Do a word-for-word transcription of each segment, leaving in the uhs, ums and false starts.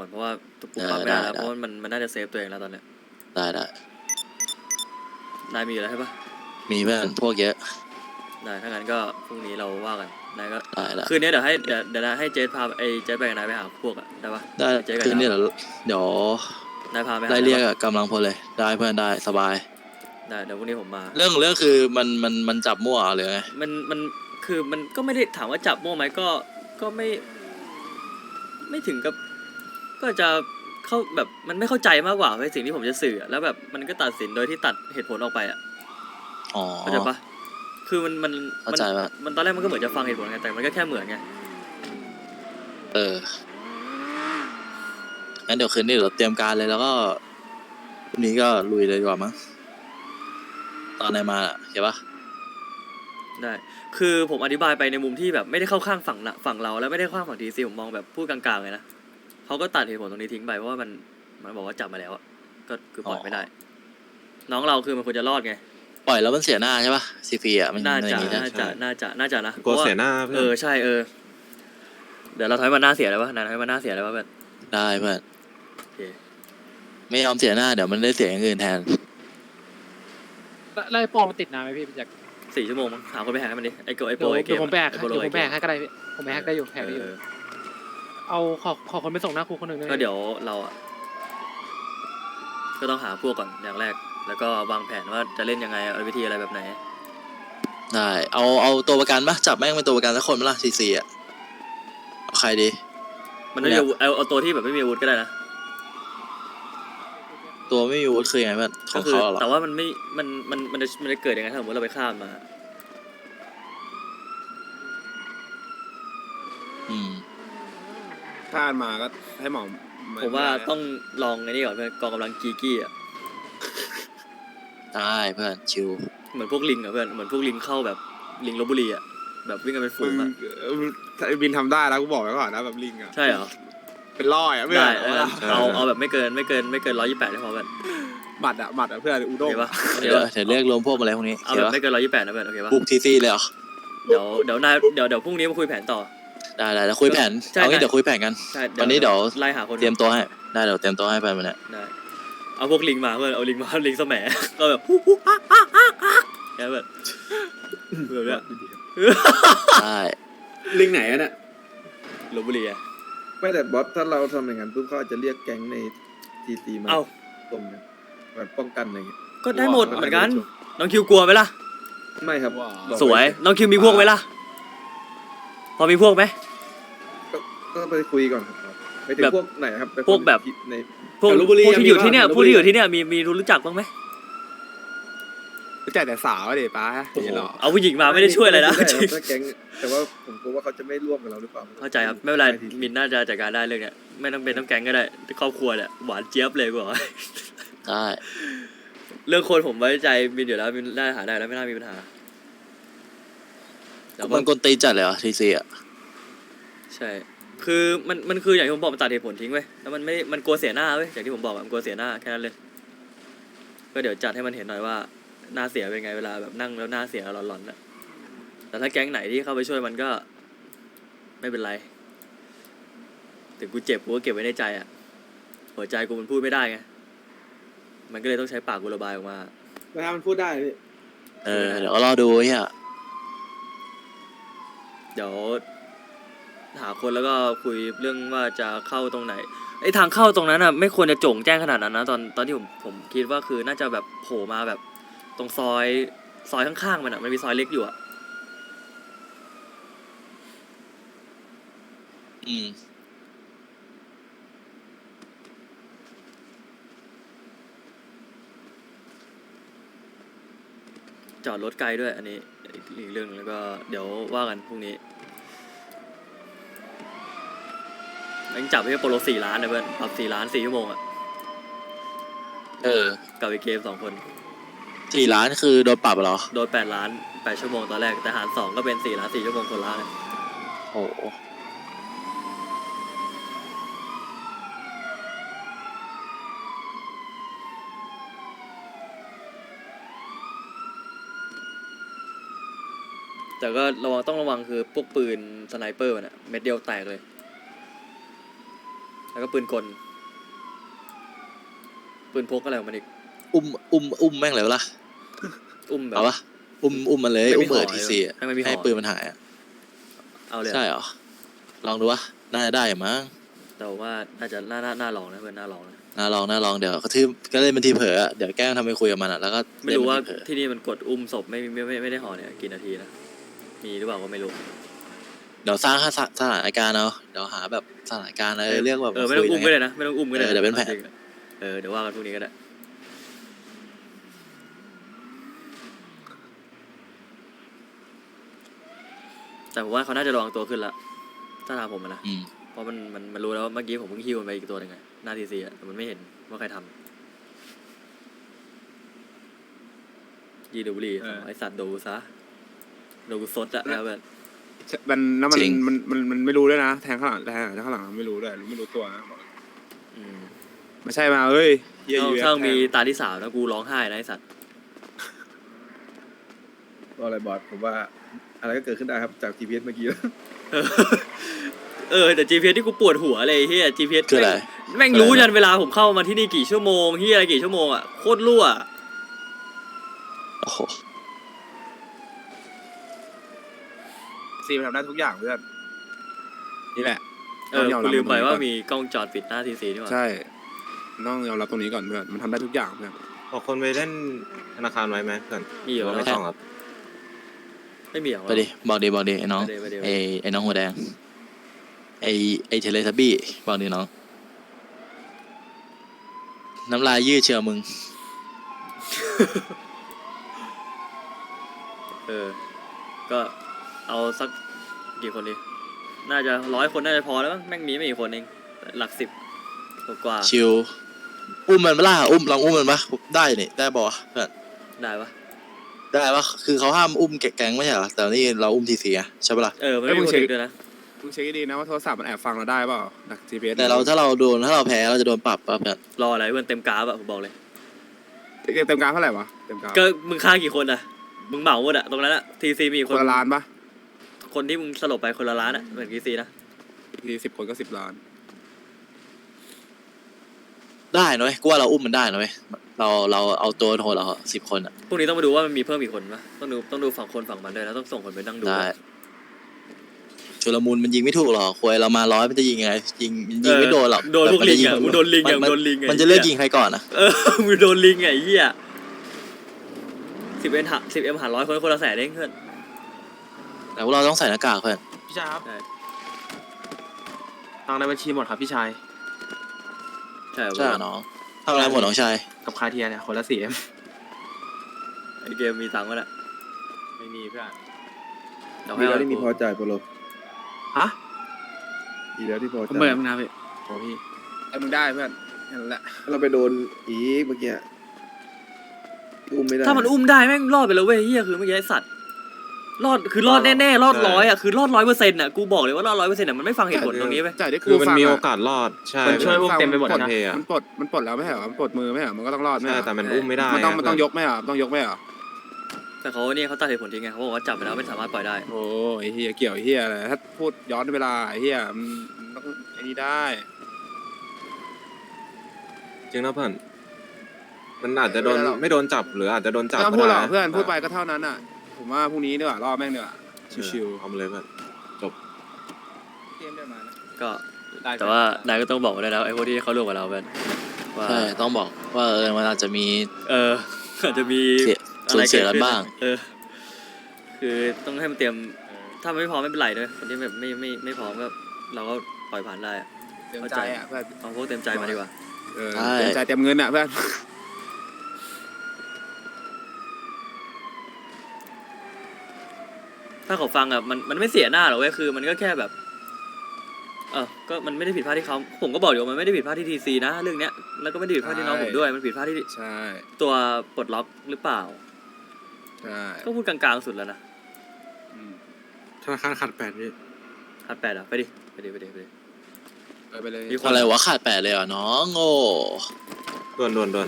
ก่อนเพราะว่าปุ๊บปั๊บไม่ได้แล้วเพราะมันมันน่าจะเซฟตัวเองแล้วตอนเนี้ยได้ได้นายมีอะไรใช่ปะมีเพื่อนพวกเยอะได้ถ้างั้นก็พรุ่งนี้เราว่ากันนายก็ได้ละคืนนี้เดี๋ยวให้เดี๋ยวเดี๋ยวนายให้เจสพาไอ้เจสไปกับนายไปหาพวกอะได้ปะได้เจสกับคืนนี้ดาวเดี๋ยวเดี๋ยวนายพาไปหาไล่เรียกได้ปะกำลังพลเลยได้เพื่อนได้สบายได้เดี๋ยวพรุ่งนี้ผมมาเรื่องเรื่องคือมันมันมันจับมั่วหรือไงมันมันคือมันก็ไม่ได้ถามว่าจับมั่วไหมก็ก็ไม่ไม่ถึงกับก็จะเข้าแบบมันไม่เข้าใจมากกว่าในสิ่งที่ผมจะสื่อแล้วแบบมันก็ตัดสินโดยที่ตัดเหตุผลออกไปอ่ะอ๋อเข้าใจปะคือมันมันเข้าใจปะมันตอนแรกมันก็เหมือนจะฟังเหตุผลไงแต่มันก็แค่เหมือนไงเอองั้นเดี๋ยวคืนนี้เราเตรียมการเลยแล้วก็พรุ่งนี้ก็ลุยเลยดีกว่ามั้งตอนไหนมาเห็นปะได้คือผมอธิบายไปในมุมที่แบบไม่ได้เข้าข้างฝั่งละฝั่งเราแล้วไม่ได้เข้าข้างฝั่งทีซีผมมองแบบพูดกลางๆเลยนะเขาก็ตัดเหตุผลตรงนี้ทิ้งไปเพราะว่ามันมันบอกว่าจับมาแล้วอ่ะก็คือปล่อยไม่ได้น้องเราคือมันควรจะรอดไงปล่อยแล้วมันเสียหน้าใช่ปะซีพีอ่ะมันน่าจะอย่างนี้นะน่าจะน่าจะน่าจะนะกลัวเสียหน้าเออใช่เออเดี๋ยวเราถอยมาหน้าเสียเลยวะนายถอยมาหน้าเสียเลยวะแบบได้เพื่อนโอเคไม่ยอมเสียหน้าเดี๋ยวมันได้เสียอย่างอื่นแทนไล่ปอมันติดนานไหมพี่จากสี่ชั่วโมงมั้งหาคนไปแหกให้มันดิไอโกไอโปไอเกเดี๋ยวมผมแบกไอโปเดี๋ยวผมแบกไอเกมให้ก็ได้พี่ผมแบกได้อยู่แบกได้อยู่เอาขอขอคนไปส่งหน้าครูคนหนึ่งได้ไหมก็เดี๋ยวเราอ่ะก็ต้องหาพวกก่อนอย่างแรกแล้วก็วางแผนว่าจะเล่นยังไงเอาวิธีอะไรแบบไหนได้เอาเอาตัวประกันปะจับแม่งเป็นตัวประกันสักคนมั้ยล่ะซีซีอ่ะเอาใครดีมันไม่มีเอาเอาตัวที่แบบไม่มีอาวุธก็ได้นะตัวไม่มีอาวุธคือยังไงบ้างของเขาหรอแต่ว่ามันไม่มันมันมันจะมันจะเกิดยังไงถ้าสมมติเราไปฆ่ามาอืมถ้ามาก็ให้หมอผมว่าต้องลองไอ้นี่ก่อนเพื่อนกองกำลังกีกี้อ่ะได้เพื่อนชิวเหมือนพวกลิงอ่ะเพื่อนเหมือนพวกลิงเข้าแบบลิงลพบุรีอ่ะแบบวิ่งกันเป็นฝูงอ่ะไอ้บินทำได้แล้วกูบอกไว้ก่อนนะแบบลิงอ่ะใช่เหรอเป็นร้อยอ่ะไม่ได้เอาเอาแบบไม่เกินไม่เกินไม่เกินร้อยยี่สิบแปดได้พอเพื่อนบัตรอ่ะบัตรอ่ะเพื่อนอุด้งปะเดี๋ยวเดี๋ยวเรียกรวมพวกอะไรพวกนี้เอาแบบไม่เกินร้อยยี่สิบแปดนะเพื่อนโอเคปะบุกทีซีเลยเหรอเดี๋ยวเดี๋ยวนายเดี๋ยวเดี๋ยวพรุ่งนี้มาคุยแผนต่อได้ได้แล้วคุยแผนเอางี้เดี๋ยวคุยแผนกันวันนี้เดี๋ยวไล่หาคนเตรียมตัวให้ได้เดี๋ยวเตรียมตัวให้ไปมันเนี่ยได้เอาพวกลิงมาเพื่อนเอาลิงมาลิงสมัยก็แบบฮู้ฮู้ฮ่าฮ่าฮ่าฮ่าแค่แบบแบบเนี้ยใช่ลิงไหนอ่ะเนี่ยลพบุรีอะไม่แต่บอสถ้าเราทำอย่างนั้นปุ๊บเขาอาจจะเรียกแก๊งในทีซีมาตรงแบบป้องกันอะไรเงี้ยก็ได้หมดเหมือนกันน้องคิวกลัวไหมล่ะไม่ครับสวยน้องคิวมีพวกไหมล่ะพอมีพวกไหมก็ไปคุยก่อนครับไปถึงพวกไหนครับพวกแบบในพวกที่อยู่ที่เนี่ยพวกที่อยู่ที่เนี่ยมีมีรู้จักบ้างไหมรู้จักแต่สาวเด็ป้าเอาผู้หญิงมาไม่ได้ช่วยอะไรนะแก๊งแต่ว่าผมกลัวว่าเขาจะไม่ร่วมกับเราหรือเปล่าเข้าใจครับไม่เป็นไรมินน่าจะจัดการได้เรื่องเนี้ยไม่ต้องเป็นต้องแก๊งก็ได้ครอบครัวเนี่ยหวานเจี๊ยบเลยกว่าได้เรื่องคนผมไว้ใจมินอยู่แล้วมินได้หาได้แล้วไม่น่ามีปัญหามันกลตีจัดเลยเหรอทีซีอ่ะใช่คือมันมันคืออย่างที่ผมบอกมันตัดเหตุผลทิ้งไว้แล้วมันไม่มันกลัวเสียหน้าเว้ยอย่างที่ผมบอกมันกลัวเสียหน้าแค่นั้นเลยก็เดี๋ยวจัดให้มันเห็นหน่อยว่าหน้าเสียเป็นไงเวลาแบบนั่งแล้วหน้าเสียหลอนๆน่ะแต่ถ้าแก๊งไหนที่เข้าไปช่วยมันก็ไม่เป็นไรถึงกูเจ็บกูก็เก็บไว้ในใจอ่ะหัวใจกูมันพูดไม่ได้ไงมันก็เลยต้องใช้ปากกูระบายออกมาเวลามันพูดได้พี่เออเดี๋ยวรอดูเฮียเดี๋ยวหาคนแล้วก็คุยเรื่องว่าจะเข้าตรงไหนไอ้ทางเข้าตรงนั้นอ่ะไม่ควรจะโจ่งแจ้งขนาดนั้นนะตอนตอนที่ผมผมคิดว่าคือน่าจะแบบโผล่มาแบบตรงซอยซอยข้างๆมันอ่ะมันมีซอยเล็กอยู่อ่ะอืมจอดรถไกลด้วยอันนี้อีกเรื่องแล้วก็เดี๋ยวว่ากันพรุ่งนี้ยังจับให้โปโลสี่ล้านนะเพื่อนปรับสี่ล้านสี่ชั่วโมงอ่ะเออกับไอเกมสองคนสี่ล้านคือโดนปรับเหรอโดนแปดล้านแปดชั่วโมงตอนแรกแต่หารสองก็เป็นสี่ล้านสี่ชั่วโมงคนละโอ้แต่ก็ระวังต้องระวังคือพวกปืนสไนเปอร์น่ะเม็ดเดียวแตกเลยแล้วก็ปืนกลปืนพกอะไรของมันอีกอุ้มอุ้มอุ้มแม่งเลยวะล่ะอุ้มแบบเอาปะอุ้มอุ้มมันเลยไม่มีอุ้มเปิดห่อทีเลยซีให้มันมีห่อให้ปืนมันหายอะเอาเลยอะใช่เหรอลองดูวะน่าจะได้อยู่มั้งแต่ว่าน่าจะน่าน่าน่าลองนะเพื่อนน่าลองนะน่าลองน่าลองเดี๋ยวกระทืบก็เล่นเป็นทีเผลออะเดี๋ยวแกล้งทำไปคุยกับมันอะแล้วก็ไม่รู้ว่าเล่นเป็นทีเผลอที่นี่มันกดอุ้มศพไม่ไม่ไม่ไม่ได้ห่อเนี่ยกี่นาทีนะมีหรือเปล่าก็ไม่รู้เดี๋ยวสร้างสถสถานการณ์เอาเดี๋ยวหาแบบสถานการณ์อะไรเรียกว่าเออไม่ต้องอุ้มก็คุยได้นะไม่ต้องอุ้มก็ได้เออเดี๋ยวเป็นแผนจริงๆอะเออเดี๋ยวว่ากันพรุ่งนี้ก็ได้แต่ผมว่าเขาน่าจะระวังตัวขึ้นละถ้าทางผมอะนะอืมเพราะมันมันมันรู้แล้วว่าเมื่อกี้ผมเพิ่งฮิวมันไปอีกตัวหนึ่งไงหน้าทีซีอะแต่มันไม่เห็นว่าใครทำยีดูบุหรีเออไอสัตว์ดูซะดูซดอะแล้วแบบมันแล้วมันจริงมันมันมันไม่รู้ด้วยนะแทงข้างหลังแทงข้างหลังไม่รู้ด้วยไม่รู้ตัวนะบอกอืมไม่ใช่มาเอ้ยเหี้ยถ้าอยู่ถ้าแทงมีตาที่สามนะกูร้องไห้นะไอสัตว์ก็อะไรบอสผมว่าอะไรก็เกิดขึ้นได้ครับจาก จี พี เอส เมื่อกี้เออเออแต่ จี พี เอส ที่กูปวดหัวเลยเฮีย จี พี เอสคืออะไรแม่งคืออะไรรู้ยันเวลาผมเข้ามาที่นี่กี่ชั่วโมงเฮียอะไรกี่ชั่วโมงอ่ะโคตรรั่วโอ้โหซีมันทำได้ทุกอย่างเพื่อนนี่แหละเออต้องยอมกูรับลืมไปตรงนี้ว่าก่อนมีกล้องจอดปิดหน้าทีซีนี่หว่าใช่ต้องยอมรับตรงนี้ก่อนเพื่อนมันทำได้ทุกอย่างเพื่อนบอกคนไปเล่นธนาคารไว้ไหมเพื่อนมีอยู่หรือแล้ว่าว ไม่ต้องครับไม่มีเหรอไปดิบอกดิบอกดิไอ้น้องไปดิไปดิไอ้ไอ้น้องหัวแดงไอ้ไอ้เทเลทับบี้บอกดิน้องน้ำลายยืดเชียวมึงเออ ก็เอาสักกี่คนดีน่าจะร้อยคนน่าจะพอแล้วมั้งแม่งมีไม่กี่คนเองหลักสิบกว่าชิวอุ้มมันปะล่ะอุ้มลองอุ้มมันปะได้นี่ได้บอกเพื่อนได้ปะได้ปะคือเขาห้ามอุ้มแก๊งไม่ใช่เหรอแต่นี่เราอุ้มทีเสียใช่ปะล่ะเออมันไม่มีคนอื่นด้วยนะมึงเช็คให้ดีนะว่าโทรศัพท์มันแอบฟังเราได้เปล่าดัก จี พี เอสแต่เราถ้าเราโดนถ้าเราแพ้เราจะโดนปรับป่ะเพื่อนรออะไรเพื่อนเต็มกราฟอะผมบอกเลยเต็มกราฟเท่าไหร่วะเต็มกราฟก็มึงฆ่ากี่คนอะมึงเหมาหมดอะตรงนั้นอะทีซีมีกี่คคนนละล้านปะคนที่มึงสลบไปคนละล้านอะเหมือนทีซีนะทีสิบคนก็สิบล้านได้นะเว้ยกูว่าเราอุ้มมันได้นะเว้ยเราเราเอาตัวโหดเราสิบคนอะพรุ่งนี้ต้องมาดูว่ามันมีเพิ่มอีกคนปะต้องดูต้องดูฝั่งคนฝั่งมันด้วยนะต้องส่งคนไปนั่งดูได้ชุลมุนมันยิงไม่ถูกหรอกควยเรามาร้อยมันจะยิงยังไงยิงยิงไม่โดนหรอกโดนพวกลิงอะมึงโดนลิงอะมัมึงโดนลิงอะมันจะเลือกยิงใครก่อนอะเออมึงโดนลิงไงไอ้เหี้ยสิบเอ็มหาสิบเอ็มหาร้อยคนคนละแสนเองเพื่อนแต่พวกเราต้องใส่หน้ากากเพื่อนพี่ชายครับใช่ตังค์ในบัญชีหมดครับพี่ชายใช่ใช่เหรอน้องทำอะไรหมดน้องชายกับคาเทียเนี่ยคนละสี่เอ็มไอเกมมีตังค์ก็แหละไม่มีเพื่อนเดี๋ยวดีให้แล้วเอาที่มีพอจ่ายโปโลฮะดีแล้วที่พอผมจ่ายเบื่อมึงนะพี่โอ้พี่ไอ้มึงได้เพื่อนนั่นแหละถ้าเราไปโดนอีกเมื่อกี้อุ้มไม่ได้ถ้ามันอุ้มได้แม่งรอดไปแล้วเว้ยเหี้ยคือเมื่อกี้ไอสัตว์รอดคือรอดแน่ๆรอดร้อยอะคือรอดร้อยเปอร์เซ็นต์อะกูบอกเลยว่ารอดร้อยเปอร์เซ็นต์อะมันไม่ฟังเหตุผลตรงนี้ไปจ่ายได้คืคืออมันฟังมีอะโอกาสรอดใช่มันช่วยอุ้มฟังเต็มไปหมดนนะเทอะมันปลดมันปลดแล้วไม่ใช่เหรอมันปลดมือไม่ใช่เหรอมันก็ต้องรอดไม่ใช่เหรอใช่แต่มันอุ้มไม่ได้มันต้องอะมันต้องยกไม่เหรอต้องยกไม่เหรอแต่เขาเนี่ยเขาตัดเหตุผลทิ้งไงเขาบอกว่าจับไปแล้วไม่สามารถปล่อยได้โอ้ยไอ้เฮียเกี่ยวไอ้เฮียอะไรถ้าพูดย้อนเวลาไอ้เฮียมันมันต้องไอ้นี่ได้จริงนะเพื่อนมันอาจจะโดนไม่โดนจับหรืออาจจะโดนจับไม่ต้องพูดหรอกก็ไเพื่อนพูดไปก็เท่านั้นอ่ะผมว่าพรุ่งนี้ดีกว่ารอบแม่งดีกว่าชิวๆเอามาเลยเพื่อนจบๆเกมเดินมานะก็แต่ว่านายก็ต้องบอกไว้ด้วยนะไอ้พวกที่เขาร่วมกับเราแบบว่าใช่ต้องบอกว่าเออมันอาจจะมีเอออาจจะมีเสียสูญเสียกันบ้างเออ คือต้องให้มันเตรียม ถ้ามันไม่พร้อมไม่เป็นไรด้วยคนที่แบบไม่ไม่ไม่พร้อมก็เราก็ปล่อยผ่านได้อะเต็มใจอ่ะเพื่อนเอาพวกเต็มใจมาดีกว่าเออใช่เต็มใจเต็มเงินอ่ะเพื่อนถ้าเขาฟังอ่ะมันมันไม่เสียหน้าหรอกเว้ยคือ มันก็แค่แบบ เออก็มันไม่ได้ผิดพลาดที่เขาผมก็บอกอยู่ว่ามันไม่ได้ผิดพลาดที่ทีซีนะเรื่องเนี้ยแล้วก็ไม่ได้ผิดพลาดที่น้องผมด้วยมันผิดพลาดที่ใช่ตัวปลดล็อกหรือเปล่าใช่ก็พูดกลางๆสุดแล้วนะอืมธนาคารขาดแปดนี่ขาดแปดอ่ะไปดิไปดิไปดิไปดิเออไปเลยมีคนอะไรวะขาดแปดเลยเหรอน้องโง่ด่วนด่วนด่วน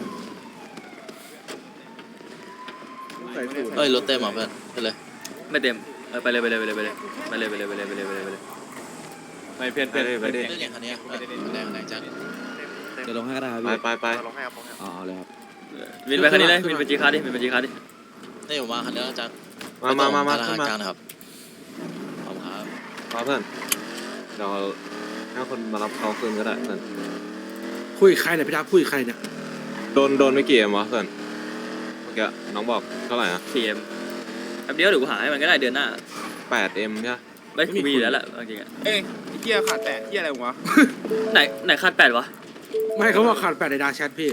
ใส่สูตรเอ้ยรถเต็มเหรอเพื่อนไปเลยไม่เต็มเออไปเลยไปเลยไปเลยไปเลยไปเลยไปเลยไปเลยไปเลยไปเลยไปเลยไม่เพื่อนเพื่อนไปดิเรื่องอย่างคันนี้แรงแรงจังเดี๋ยวลงให้ก็ได้ครับไปพี่ไปไปอ๋อเอาเลยครับวินไปคันนี้เลยวินไปจีคาร์ดิวินไปจีคาร์ดินี่ผมมาคันนี้แล้วจังมามามามาธนาขึ้นคารมากลางนะครับขอบคุณครับมาเพื่อนเดี๋ยวให้คนมารับเขาคืนก็ได้เพื่อนคุยกับใครเนี่ยพี่ทับคุยกับใครเนี่ยโดนโดนไม่กี่เอ็มวะเพื่อนเมื่อกี้น้องบอกเท่าไหร่อะสี่เอ็มแป๊บเดียวเดี๋ยวกูหาให้มันก็ได้เดือนหน้าแปดเอ็มใช่ปะไม่กูมีอยู่แล้วแหละจริงๆอะเอ้ยไอ้เหี้ยขาดแปดเหี้ยอะไรวะไหนไหนคาดแปดวะไม่เขาบอกขาดแปดในดาร์กแชทพี่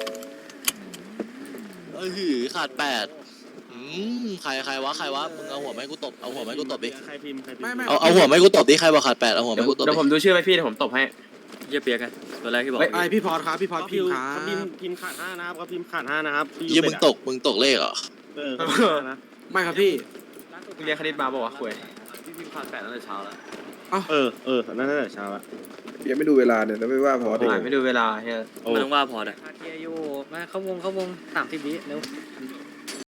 เอ้ยหือขาดแปดอืมใครใครวะใครวะมึงเอาหัวไม้กูตบเอาหัวไม้กูตบดิใครพิมพ์ใครพิมพ์ไม่ไม่เอาเอาหัวไม้กูตบดิใครบอกขาดแปดเอาหัวไม้กูตบเดี๋ยวผมดิดูชื่อไปพี่เดี๋ยวผมตบให้เยี่ยเปียกันตัวแรกที่บอกไอ้พี่พอดครับพี่พอดพิมพ์ครับเขาพิมพ์พิมพ์ขาดห้านะครับเขาพิมพ์ขาดห้านะครับพี่ยี่มึงตกมึงตกเลขเหรอเออเขาพิมพ์ห้านะไม่ครับพี่เรียนคณิตมาบอกว่าวะคุยพี่พิมพ์คาดแปดตั้งแต่เช้าแล้วเออเออนั่นน่าจะเช้าละยังไม่ดูเวลาเนี่ยแล้วไม่ว่าพอดีอ่านไม่ดูเวลาเฮียโอ้มันต้องว่าพอได้คาเทียอยู่มาเข้าวงเข้าวงสามสิบวิเร็ว